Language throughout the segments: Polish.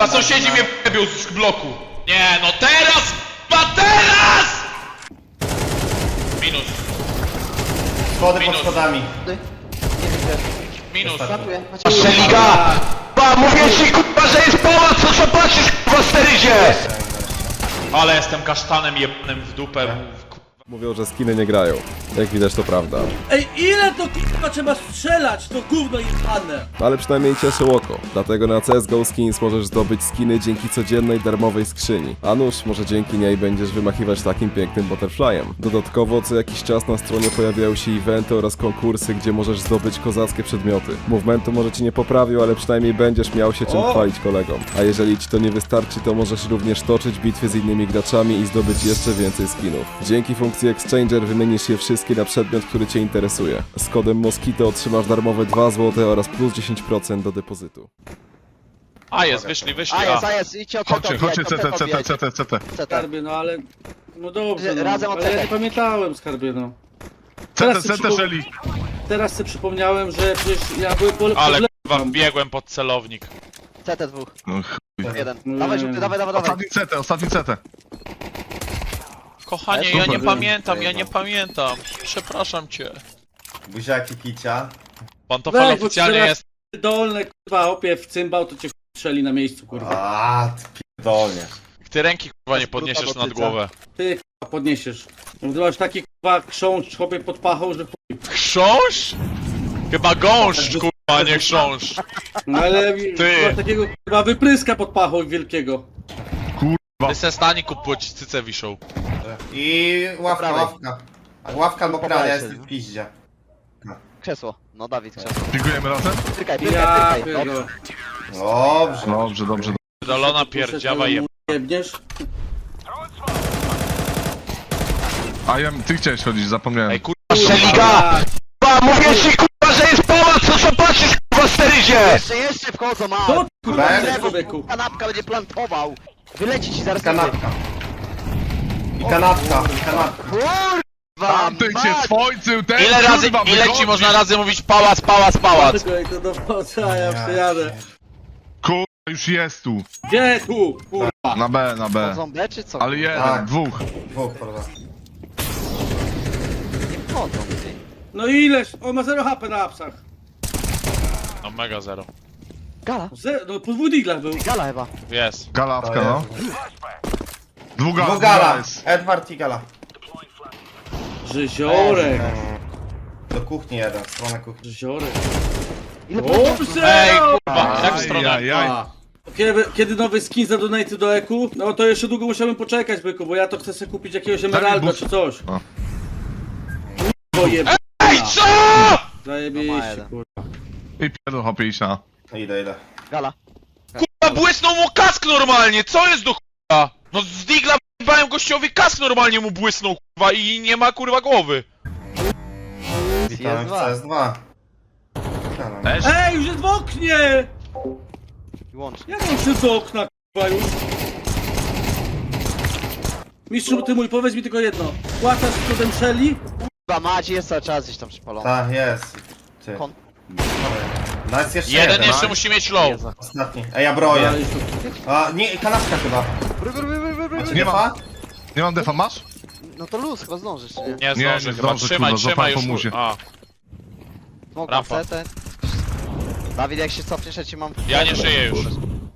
A sąsiedzi mnie wybił z bloku. Nie, no teraz! Teraz! Minus. Schody pod Minus. schodami. Nie widzę. Minus. Ratuję. Szeliga! Ba, mówię ci kurwa, że jest pałac, co patrzysz kurwa steryzie! Ale jestem kasztanem jebnym w dupę. Mówią, że skiny nie grają. Jak widać to prawda. Ej, ile to k***a trzeba strzelać, to gówno jebane! Ale przynajmniej cieszy oko. Dlatego na CSGO Skins możesz zdobyć skiny dzięki codziennej darmowej skrzyni. A nuż, może dzięki niej będziesz wymachiwać takim pięknym butterflyem. Dodatkowo co jakiś czas na stronie pojawiają się eventy oraz konkursy, gdzie możesz zdobyć kozackie przedmioty. Movementu może ci nie poprawił, ale przynajmniej będziesz miał się czym chwalić kolegom. A jeżeli ci to nie wystarczy, to możesz również toczyć bitwy z innymi graczami i zdobyć jeszcze więcej skinów. Dzięki funkcji Exchanger wymienisz je wszystkie na przedmiot, który cię interesuje. Z kodem Moskito otrzymasz darmowe 2 zł oraz plus 10% do depozytu. A jest, wyszli. A jest, idźcie od Chodźcie, CT. Skarbie, no ale... No dobrze, no, Razem ale ja oceniaj. nie pamiętałem, Skarbie, no. CT, Shelly. Teraz sobie przypomniałem, że przecież ja byłem po Ale kurwa, biegłem pod celownik. CT dwóch. No Jeden. Nie. Dawaj żółty, dawaj. ostatni CT. Kochanie, ja nie pamiętam. Przepraszam cię. Buziaki kicia. Pantofel Weź, bo oficjalnie teraz- jest. dolne, kurwa, opie w cymbał, to cię strzeli na miejscu, kurwa. A, ty pierdolnie. Ty ręki kurwa nie podniesiesz nad głowę. Ty, kurwa, podniesiesz. Ty masz taki, kurwa, krzącz, chłopie pod pachą, że chuj. Chrząszcz? Chyba gąszcz kurwa, nie chrząszcz. No ale Ty. masz takiego, kurwa, wypryska pod pachą wielkiego. Ty se stani kup, ci cyce wiszą. I ławka. Ławka albo kran, ja prawej jestem w piździe. Krzesło. No Dawid, krzesło. Dziękujemy razem? Pyrkaj. Ja Dobrze. pierdolę. Dobrze. Dobrze. Dolona pierdziawa jeb. Jebniesz? A ja, ty chciałeś chodzić, zapomniałem. Ej kurwa, Szeliga! Ba, mówię ci kurwa, że jest pałac, co patrzysz kurwa steryzie! Jeszcze wchodzą, a! To kurwa, Bez. nie, człowieku. Kanapka będzie plantował! Wyleci ci zaraz Kanapka. I kanapka. Kurwa! Ty cię swojcył, ten ile ci można razy mówić pałac? Tylko jak to dowodza, a ja przyjadę. Kurwa, już jest tu. Gdzie tu? Kurwa. Na B. Wchodzą B czy co? Ale jeden, Tak. dwóch. Dwóch, prawda. Nie wchodzą, ty. No ileż? On ma 0 HP na apsach. No mega zero. Gala. No po dwóch diglach był. Gala chyba. Jest. Galawka, no. Dwóch Gala. jest. Edward i Gala. Żyziorek. Do kuchni jeden, w stronę kuchni. Żyziorek. Ile Dobrze! Ej kurwa, jak w stronę? Ajajaj. A. Kiedy nowy skin za donaty do EQ? No to jeszcze długo musiałbym poczekać, byku, bo ja to chcę sobie kupić jakiegoś emeralda bus. czy coś. O. Kurwa, Ej co?! No ma zajebiście, jeden. kurwa. I pierdol hopie iść na. Idę. Gala. Kurwa, błysnął mu kask normalnie, co jest do kurwa? No z digla w***ałem gościowi kask normalnie mu błysnął kurwa i nie ma kurwa głowy. Witamy w CS2. Też? Ej, już jest w oknie! I łącznie. Jak on szedł do okna, kurwa, już? Mistrzu, ty mój, powiedz mi tylko jedno. Płacasz z kodem Shelly? Kurwa, Macie jest cały czas gdzieś tam przypalony. Tak, jest. Ty. Kon- No jest jeszcze Jeden jeden. jeszcze musi mieć low. Jezu. Ostatni. Ej, ja broję. Ale już to- A, nie, kanapka chyba. Macie Nie defa? Nie mam defa, masz? No to luz, chyba zdążysz, czy nie? Nie Nie, zdążę nie chyba, zdążę, trzymaj kurwa, już. złapałem po muzie. A, Smok Rampa. na CT. Dawid, jak się cofniesz, ja ci mam... ja nie żyję już.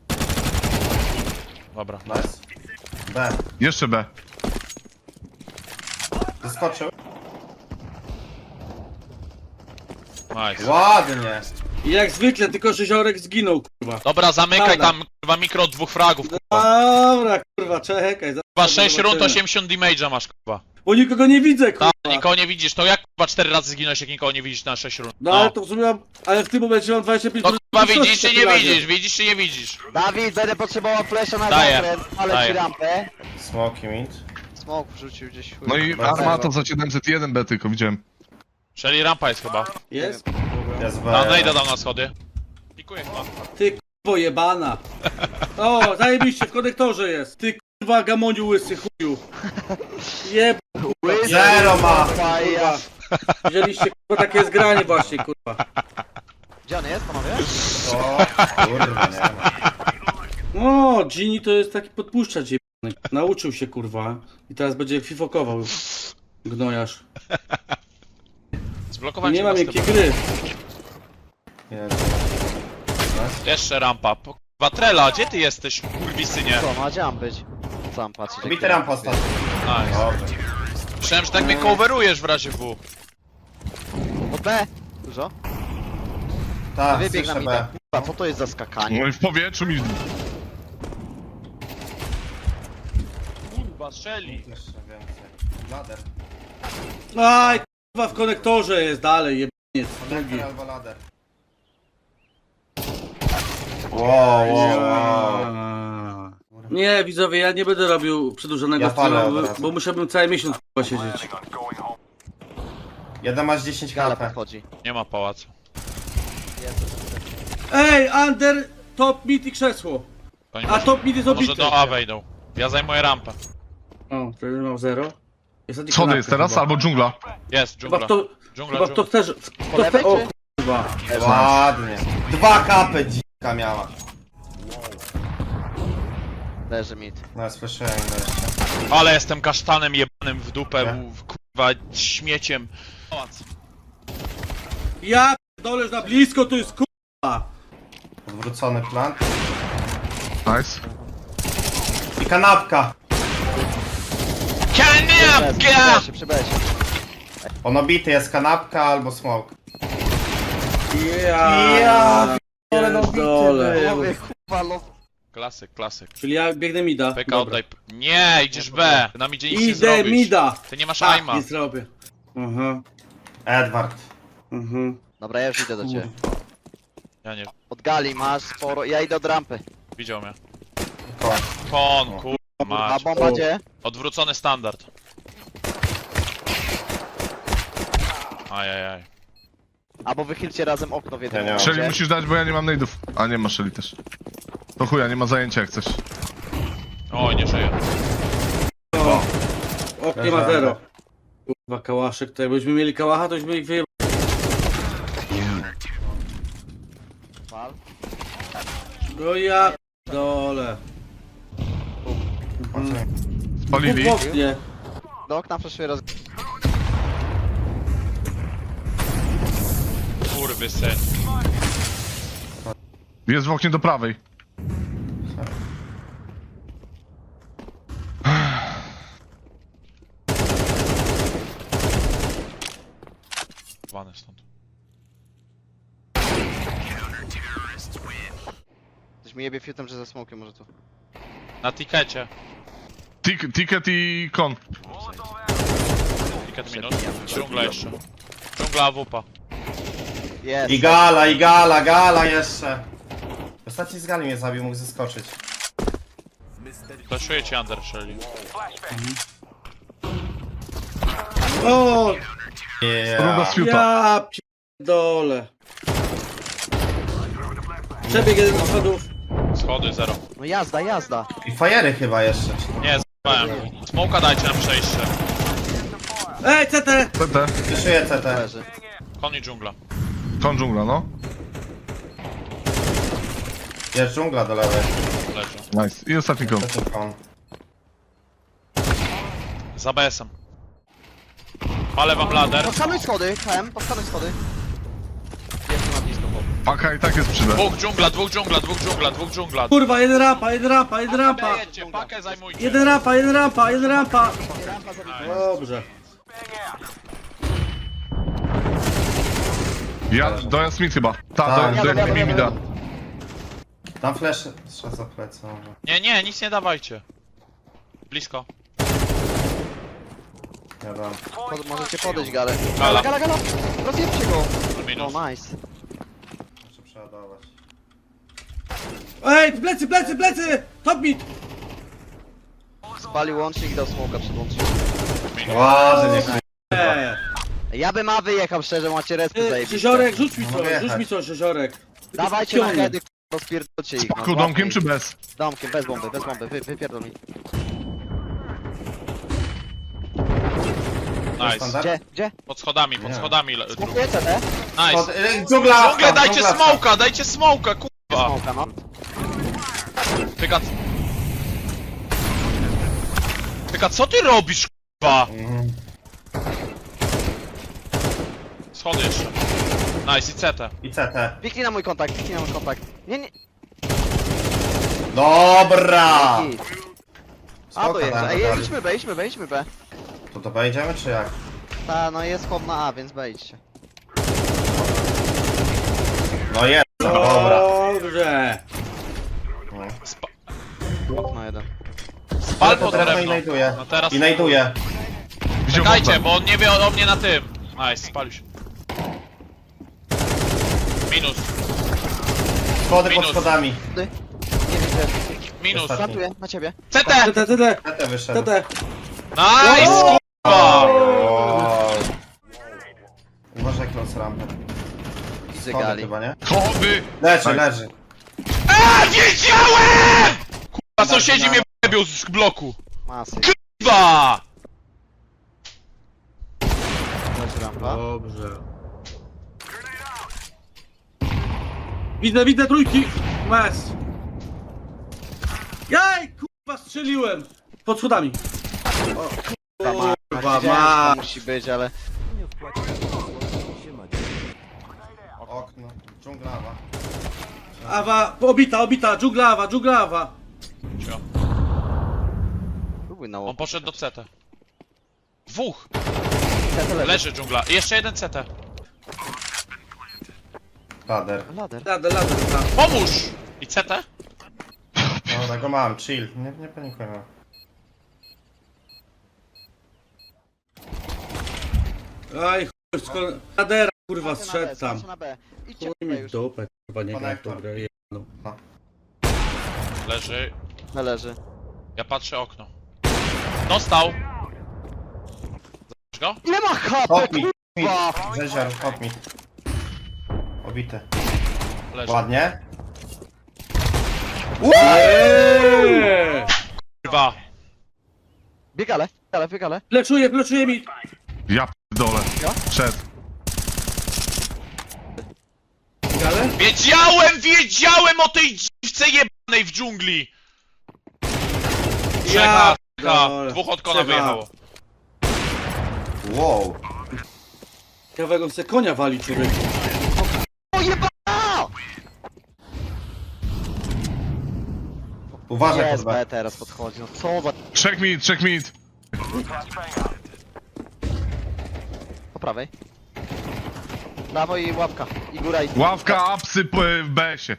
Dobra. Nice. B. Jeszcze B. Zaskoczył. Nice. Ładnie. I jak zwykle, tylko Żyziorek zginął, kurwa. Dobra, zamykaj Dobra. tam kurwa mikro od 2 fragów kurwa. Dobra, kurwa, czekaj. zaraz Kurwa 6 rund zobaczymy. 80 damage'a masz kurwa. Bo nikogo nie widzę, kurwa. Tak, nikogo nie widzisz, to jak kurwa 4 razy zginąłeś jak nikogo nie widzisz na 6 rund? No ale to w sumie mam... Ale w tym momencie mam 25 No kurwa mniejszości widzisz czy w nie takim razie. widzisz, widzisz czy nie widzisz? Dawid, będę potrzebował flesza na Daję, zakręt, ale daję. ci rampę. Smoki mid. Smok wrzucił gdzieś. chuj. No i armata za 701 B tylko widziałem. Czyli rampa jest chyba. Jest? Jest B. A no idę tam na schody. Pikuję chyba. Ty kurwo jebana. O, zajebiście, w konektorze jest. Ty kurwa gamoniu łysy chuju. Jeb... Zero ma. Faja. Wzięliście kurwa takie zgranie właśnie, kurwa. Gdzie on jest, panowie? O, kurwa, nie ma. O, Gini to jest taki podpuszczacz jebany. Nauczył się kurwa. I teraz będzie fifokował. Gnojarz. Zblokowałem Nie cię ma na miękkiej step. gry. Jeszcze rampa. Kurwa, Trela, gdzie ty jesteś, kurwisynie? Co, ma gdzie mam być? Sam patrzeć. Bity rampa ostatnio. Nice. Dobrze. Myślałem, że tak mnie coverujesz w razie W. Od B. Dużo? Tak, Wybieg na słyszę mida. B. Kurwa, co to jest za skakanie? No i w powietrzu mi... Kurwa, strzeli. Jeszcze więcej. Lader. Aj, kurwa, w konektorze jest dalej, jebaniec. Drugi. Konektor albo lader. Wow. Nie, widzowie, ja nie będę robił przedłużonego Ja palę streama, od razu. bo musiałbym cały miesiąc kurwa siedzieć. Jeden masz 10 Gala HP. podchodzi. Nie ma pałacu. Ej, under, top, mid i krzesło. To nie A może, top mid jest to może obity. do A wejdą. Ja zajmuję rampę. O, to jeden mam 0. Schody jest teraz, albo dżungla. Jest, Chyba dżungla. kto, Dżungla, chyba kto dżungla. chce, Po lewej, o czy? kurwa. Ładnie. 2 kapy dzika miała. Leży mid. No, słyszałem jeszcze. Ale jestem kasztanem jebanym w dupę, Nie? kurwa, śmieciem. Pałac. Ja doleż na blisko, to jest kurwa. Odwrócony plan. Nice. I kanapka. Kaniapka! Przybeś. On obity jest kanapka albo smoke. Ja ale no pierdolę. bity Mówię, kurwa, no. Klasyk, klasyk. Czyli ja biegnę mida. PK Dobra. oddaj. Nie, idziesz B. Nam idzie nic nie Idę zrobisz. mida. Ty nie masz Tak, aima. nie zrobię. Aha, Edward. aha. Dobra, ja już idę do ciebie. Ja nie, Od gali masz sporo. Ja idę od rampy. widział mnie. Kon. Kon, kurwa, A mać. bomba gdzie? Odwrócony standard. Ajajaj. Albo wychylcie razem okno w jednym Ja nie mam. Shelly momencie. musisz dać, bo ja nie mam nade'ów. A nie ma Shelly też. To chuja, nie ma zajęcia jak chcesz. Oj, nie żyje. Oknie ma 0. Kurwa, kałaszek, to jakbyśmy mieli kałacha, to byśmy ich wyjebali. Pal. No ja dole. Spalili. W oknie. Do okna przeszły roz... Kurwy syn. Jest w oknie do prawej. Wane stąd. Ktoś mi jebie fiutem, że ze smokiem może tu. Na tikecie. Ticket i kon. Ticket minut. Dżungla jeszcze. Dżungla AWP. Jest. I gala jeszcze. Ostatni z gali mnie zabił, mógł zeskoczyć. Flashuję ci under, Shelly. O, Runda z fiuta. ja pierdolę. Przebieg jeden do schodów. Schody 0. No jazda, jazda. I fajery chyba jeszcze. Nie, z***ałem. Smoka dajcie na przejście. Ej, CT! TT. Wyszuję CT. Leży. Kon i dżungla. Kon dżungla, no. Jest dżungla do lewej. Leży. Nice. I ostatni kon. To jest kon. Za BS-em. Palę wam lader. Podskanuj schody, KM, podskanuj schody. Jestem na blisko, bo... Paka i tak jest przy B. Dwóch dżungla, dwóch dżungla, dwóch dżungla, dwóch dżungla. Kurwa, jeden rampa, jeden rampa, jeden rampa. Jedźcie, pakę zajmujcie. Jeden rampa, jeden rampa, jeden rampa. Dobrze. Ja, dojazd Smith chyba. Tak. Do mi da. Tam flash trzeba za plecy może. Nie, nic nie dawajcie. Blisko. Ja dam. Możecie podejść galę. Gala. Gala, gala! Rozjebcie go! Minus. No nice. Muszę przeładować. Ej, plecy, plecy, plecy! Top mid! Spalił łącznik i dał smoka przed łącznikiem. Ładnie, Ja bym A wyjechał szczerze, macie respy zajebiste. Rzeziorek, rzuć mi Mogę coś, rzuć jechać. mi coś, Rzeziorek. Dawajcie na Piony. heady, rozpierdolcie ich. Paku domkiem czy bez? Domkiem, bez bomby, wypierdol mi. Nice. Standard? Gdzie? Pod schodami, drugi. Smokuję CT? Nice. Dżungla! Dżunglę, dajcie smoka, kurwa. Smoka, no. Pyka... Pyka, co ty robisz, k***a? Schody jeszcze. Nice, i CT. I CT. Piknij na mój kontakt, piknij na mój kontakt. Nie, nie. Dobra! Git. A Spoko, to jest. tam, Ej, tam. idźmy B. To wejdziemy czy jak? Ta, no jest chłop na A, więc wejdźcie. No jest, dobra. Dobrze. Okno jeden. Spal pod Teraz drewno. i znajduje. No teraz... I znajduje. Wziął Czekajcie, bombę. bo on nie wie o mnie na tym. Nice, spalił się. Minus, Schody pod Minus. schodami. Ty. Nie widzę. minus. Ostatni. Plantuję, na ciebie. CT! TT. CT wyszedł. TT. Nice, k***a! O. Uważaj, close rampę. Widzę Schody gali. chyba, nie? Chody! Leży. Wiedziałem! Kurwa, sąsiedzi mnie wybił z bloku. Masy. Kurwa! Leży rampa. Dobrze. Widzę trójki. Mes. Jaj, kurwa, strzeliłem. Pod schodami. Kurwa, Kurwa, wiedziałem, że ma. to musi być, ale... Okno. Dżunglawa. Awa, obita, dżunglawa. Cio. Próbuj na On łop. poszedł do CT. Dwóch! Leży. Leży dżungla. I jeszcze jeden CT. Lader. Lader. Lader. Pomóż! I CT? Dobra, go mam, chill. Nie panikujmy. Aj, chuj, skoro... Ladera, kurwa, zszedł tam. Skaczę na B. Idźcie Chuj na B mi w już. dupę, kurwa, nie gram w tą Konektor. grę. jedną. Leży. No leży. Ja patrzę okno. Dostał! Zabisz go? Ile ma HP, Hop mi. kurwa! Rzeziar, hop mi. Obity. Leży. Ładnie. Eee! Kurwa. Biegale. Fleszuje mi. Ja p***dolę. Ja? Przed. Ale? Wiedziałem o tej dziwce jebanej w dżungli! Ja Czeka. dole. Dwóch od kona Trzeba. wyjechało. Wow. Kawego se konia wali, człowiek. O jebana! Uważaj pod Jest B. B teraz podchodzi, no co za... Trzech minut. Po prawej. Prawo i łapka. I góra i... Ławka, apsy w BS-ie.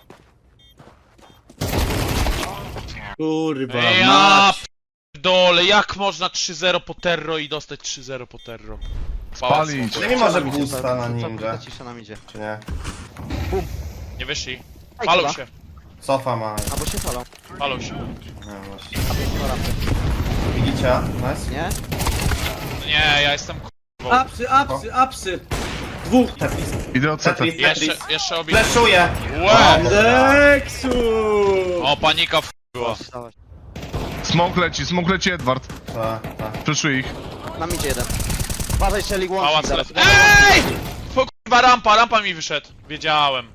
Kurwa, Ja mać. dole, jak można 3-0 po terro i dostać 3-0 po terro? Spalić. Czy nie może Cisza boosta na nam idzie, ninja? cisza nam idzie. Czy nie? Nie wyszli. Ej, Palą chyba. się, Cofa ma. Albo się falą. palą się. Nie, właśnie. A pięknie na rampy. Widzicie? Nice. Nie? No nie, ja jestem k***ą. Apsy. Dwóch. Idę od CT. Tetris, Tetris. Jeszcze obity. Fleszuję. Łe! Deksu! O, panika była. Wstałeś. Smoke leci Edward. Tak. Przeszuj ich. Nam idzie jeden. Uważaj, strzeli łącznik Pałac zaraz. left. EJ! To kurwa rampa mi wyszedł. Wiedziałem.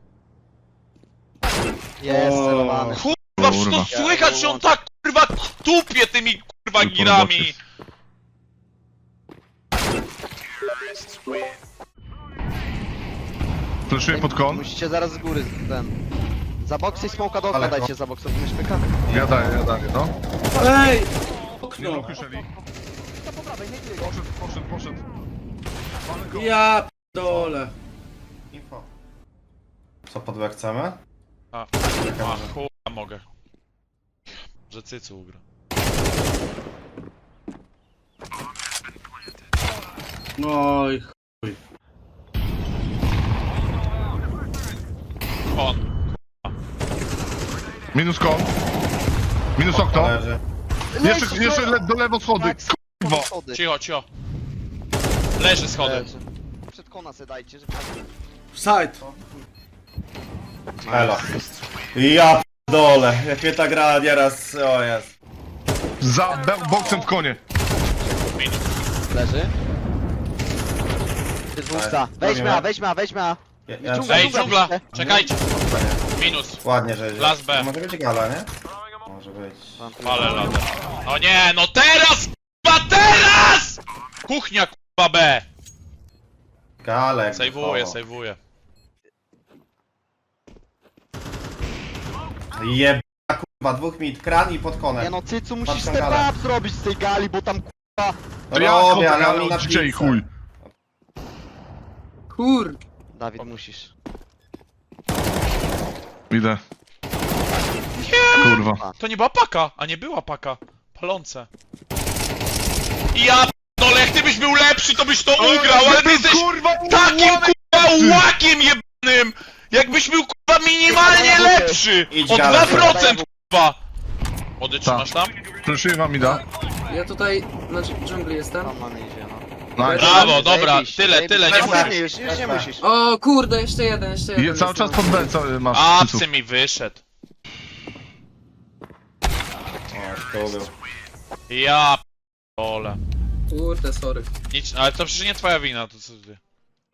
Jest, O. celowany. Kurwa, przecież to Kurwa. słychać, że on tak kurwa tupie tymi kurwa Tylko girami. roboty. Fleszuję pod kon. Musicie zaraz z góry ten... Za boksy i smoka do okna Ale dajcie, za boksy, my szpyka. Ja daję, no. Ej! Nie Okno. dokuszeli. Po prawej, nie tyle. Poszedł. Ja dole. Info. Co pod B chcemy? A chuja mogę. Że cycu ugra. Oj, On. Minus kon. Minus okno. Leży. Jeszcze do lewo schody. Tak, Kurwa. schody. Cicho. Leży schody. Leży. Przed kona se dajcie, żeby... side. Elo. Ja dole. Jak mnie ta gra nieraz... O jest. Za boksem w konie. Minus. Leży. Dwóch za. Weźmy A. Ja I dżungla. Ej, dżungla! Czekajcie. Minus. Ładnie, że idzie. Las B. To może być gala, nie? Może być. Ale ladę. No nie, no teraz! Kurwa, teraz! Kuchnia, kurwa, B. Galek. Sejwuję, sejwuję. Jeb... kurwa, dwóch mid, kran i pod konem. Nie no, Cycu musisz Patrzę step galę. up zrobić z tej gali, bo tam kurwa... To ja Robię, chodzę, ale ale oni na od dzisiaj pizzę. chuj. Kur... Dawid, musisz. Idę. Kurwa. To nie była paka, a nie była paka. Palące. Ja p***dolę, jak ty byś był lepszy, to byś to ugrał, ale ty jesteś takim kurwa łakiem jebanym! Jakbyś był kurwa minimalnie lepszy! Idź, O Gala, 2% kurwa! Młody, trzymasz tam? Proszę wam Ida. Ja tutaj na dżungli jestem. Tam mamy idzie, no. Nice. Brawo, dobra, Zajebiście, tyle, nie zajebiście. musisz. Już nie musisz. O kurde, jeszcze jeden, jeszcze jeden. I cały czas jestem. pod B co masz. Apsy Cyców. mi wyszedł. O, to był. Ja p***ole. Kurde, sorry. Nic, ale to przecież nie twoja wina, to co ty.